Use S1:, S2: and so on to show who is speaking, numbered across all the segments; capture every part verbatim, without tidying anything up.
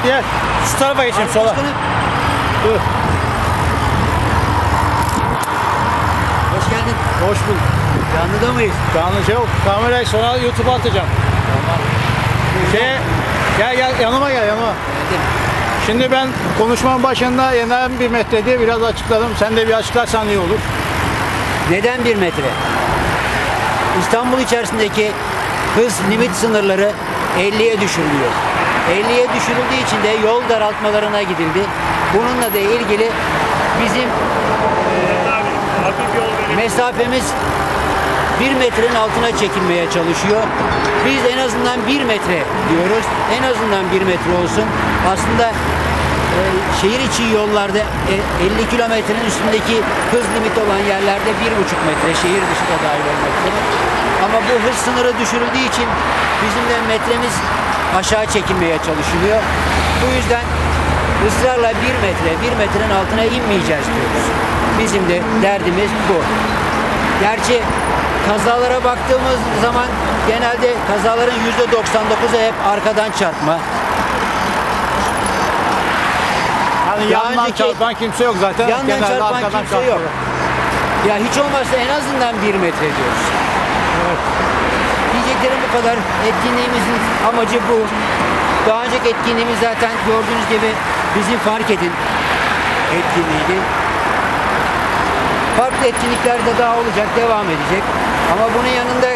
S1: gel. Şu tarafa geçeyim sola. Dur.
S2: Hoş geldin.
S1: Hoş bulduk.
S2: Canlıda mıyız?
S1: Canlı şey yok. Kamerayı sonra YouTube'a atacağım.
S2: Tamam.
S1: Şey, gel gel yanıma gel yanıma.
S2: Geldim.
S1: Şimdi ben konuşmanın başında yeniden bir metre diye biraz açıkladım. Sen de bir açıklarsan iyi olur.
S2: Neden bir metre? İstanbul içerisindeki hız limit sınırları elliye düşürülüyor. elliye düşürüldüğü için de yol daraltmalarına gidildi. Bununla da ilgili bizim e, mesafemiz bir metrenin altına çekilmeye çalışıyor. Biz en azından bir metre diyoruz. En azından bir metre olsun. Aslında e, şehir içi yollarda e, elli kilometrenin üstündeki hız limiti olan yerlerde bir buçuk metre, şehir dışı da dahil olmak üzere. Ama bu hız sınırı düşürüldüğü için bizim de metremiz aşağı çekilmeye çalışılıyor. Bu yüzden ısrarla bir metre, bir metrenin altına inmeyeceğiz diyoruz. Bizim de derdimiz bu. Gerçi kazalara baktığımız zaman genelde kazaların yüzde doksan dokuzu hep arkadan çarpma.
S1: Yani
S2: Daha
S1: yandan
S2: önceki-
S1: çarpan kimse yok zaten.
S2: Yandan
S1: Genelde
S2: çarpan
S1: arkadan
S2: kimse yok.
S1: çarpıyor.
S2: Ya hiç olmazsa en azından bir metre diyoruz.
S1: Evet.
S2: Diyeceklerim bu kadar. Etkinliğimizin amacı bu. Daha önceki etkinliğimiz zaten gördüğünüz gibi bizim fark edin etkinliğiydi. Farklı etkinlikler de daha olacak, devam edecek. Ama bunun yanında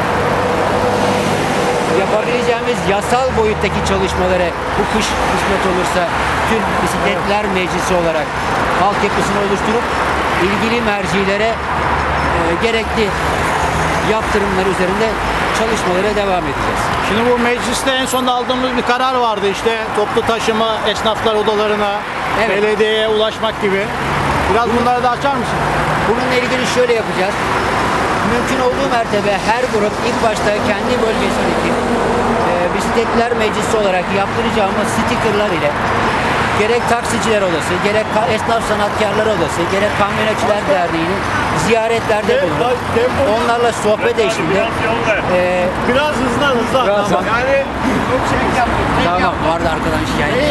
S2: yapabileceğimiz yasal boyuttaki çalışmaları bu kış kısmet olursa tüm bisikletler meclisi olarak altyapısını oluşturup ilgili mercilere e, gerekli yaptırımlar üzerinde çalışmalara devam edeceğiz.
S1: Şimdi bu mecliste en son aldığımız bir karar vardı işte toplu taşıma, esnaflar odalarına,
S2: Evet.
S1: belediyeye ulaşmak gibi. Biraz bunları da açar mısın?
S2: Bununla ilgili şöyle yapacağız. Mümkün olduğu mertebe her grup ilk başta kendi bölgesindeki e, bisikletler meclisi olarak yaptıracağımız stikerler ile gerek taksiciler odası, gerek ka- esnaf sanatkarlar odası, gerek kamyonetçiler derneğinin ziyaretlerde bulunup onlarla sohbet eşliğinde e,
S1: Biraz hızlı hızlı.
S2: Biraz
S1: Tamam.
S2: Yani tamam vardı arkadan şikayet.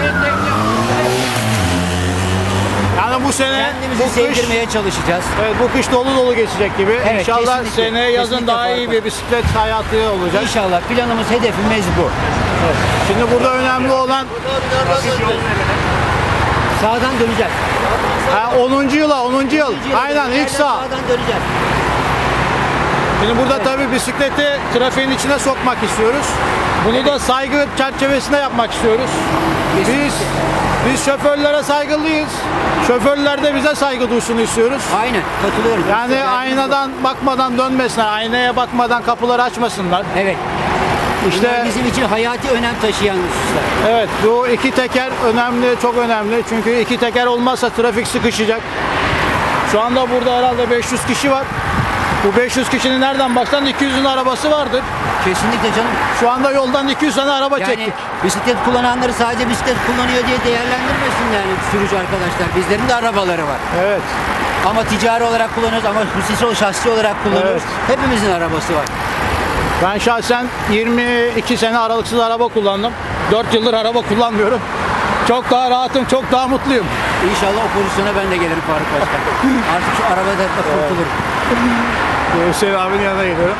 S1: Yani bu sene
S2: Kendimizi
S1: bu kış,
S2: sevdirmeye çalışacağız.
S1: evet, bu kış dolu dolu geçecek gibi.
S2: Evet,
S1: İnşallah
S2: kesinlikle,
S1: seneye yazın
S2: kesinlikle
S1: daha iyi
S2: farklı.
S1: bir bisiklet hayatı olacak.
S2: İnşallah planımız, hedefimiz bu.
S1: Şimdi burada önemli olan
S2: Sağdan döneceğiz.
S1: ha, onuncu yıla onuncu yıl. Aynen ilk sağ.
S2: Sağdan döneceğiz.
S1: Şimdi burada tabii bisikleti trafiğin içine sokmak istiyoruz. Bunu da saygı çerçevesinde yapmak istiyoruz. Biz biz şoförlere saygılıyız. Şoförler de bize saygı duysun istiyoruz.
S2: Aynen katılıyorum.
S1: Yani
S2: Derdimiz bu.
S1: aynadan bakmadan dönmesinler, aynaya bakmadan kapıları açmasınlar.
S2: Evet.
S1: İşte
S2: Bunlar bizim için hayati önem taşıyan hususlar.
S1: evet, bu iki teker önemli, çok önemli. Çünkü iki teker olmazsa trafik sıkışacak. Şu anda burada herhalde beş yüz kişi var. Bu beş yüz kişinin nereden baksan iki yüzün arabası vardır.
S2: Kesinlikle canım.
S1: Şu anda yoldan iki yüz tane araba
S2: Yani
S1: çektik.
S2: bisiklet kullananları sadece bisiklet kullanıyor diye değerlendirmesin yani sürücü arkadaşlar. Bizlerin de arabaları var.
S1: Evet.
S2: Ama ticari olarak kullanıyoruz ama hususi şahsi olarak kullanıyoruz. Hepimizin arabası var.
S1: Ben şahsen yirmi iki sene aralıksız araba kullandım. dört yıldır araba kullanmıyorum. Çok daha rahatım, çok daha mutluyum.
S2: İnşallah o pozisyona ben de gelirim Faruk Başkan. Artık şu arabadan da kurtulurum.
S1: Hüseyin abinin yanına gidiyorum.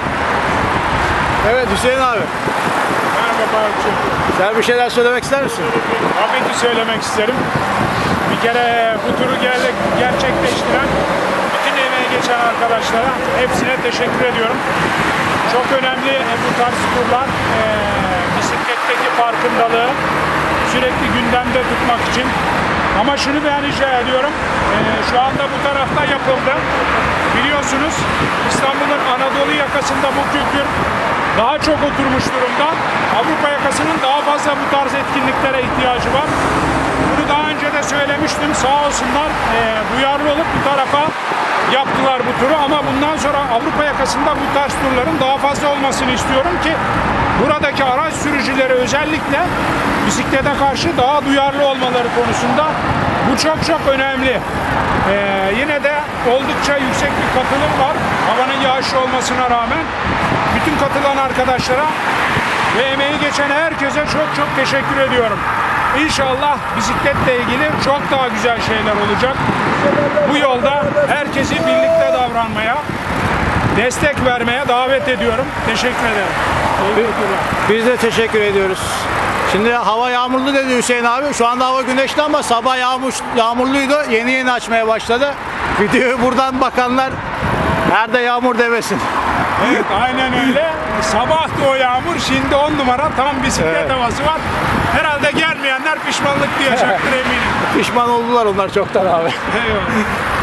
S1: Evet Hüseyin abi.
S3: Merhaba Faruk'cığım.
S1: Sen bir şeyler söylemek ister misin?
S3: Tabii ki söylemek isterim. Bir kere bu turu ger- gerçekleştiren bütün emeği geçen arkadaşlara hepsine teşekkür ediyorum. Çok önemli e, bu tarz turlar e, bisikletteki farkındalığı sürekli gündemde tutmak için. Ama şunu ben rica ediyorum. E, şu anda bu tarafta yapıldı. Biliyorsunuz İstanbul'un Anadolu yakasında bu kültür daha çok oturmuş durumda. Avrupa yakasının daha fazla bu tarz etkinliklere ihtiyacı var. Bunu daha önce de söylemiştim. Sağ olsunlar e, duyarlı olup bu tarafa yaptılar bu turu. Ama bundan sonra Avrupa yakasında bu tarz turların daha fazla olmasını istiyorum ki buradaki araç sürücüleri özellikle bisiklete karşı daha duyarlı olmaları konusunda bu çok çok önemli. Ee, yine de oldukça yüksek bir katılım var. Havanın yağışlı olmasına rağmen bütün katılan arkadaşlara ve emeği geçen herkese çok çok teşekkür ediyorum. İnşallah bisikletle ilgili çok daha güzel şeyler olacak. Bu yolda herkesi birlikte davranmaya, destek vermeye davet ediyorum. Teşekkür ederim.
S1: Biz de teşekkür ediyoruz. Şimdi hava yağmurlu dedi Hüseyin abi. Şu anda hava güneşli ama sabah yağmur, yağmurluydu. Yeni yeni açmaya başladı. Videoyu buradan bakanlar nerede yağmur demesin.
S3: Evet, aynen öyle. Sabahtı o yağmur, şimdi on numara tam bisiklet
S1: Evet.
S3: havası var. Herhalde gelmeyenler pişmanlık duyacaktır eminim.
S1: Pişman oldular onlar çoktan abi.
S3: Eyvallah.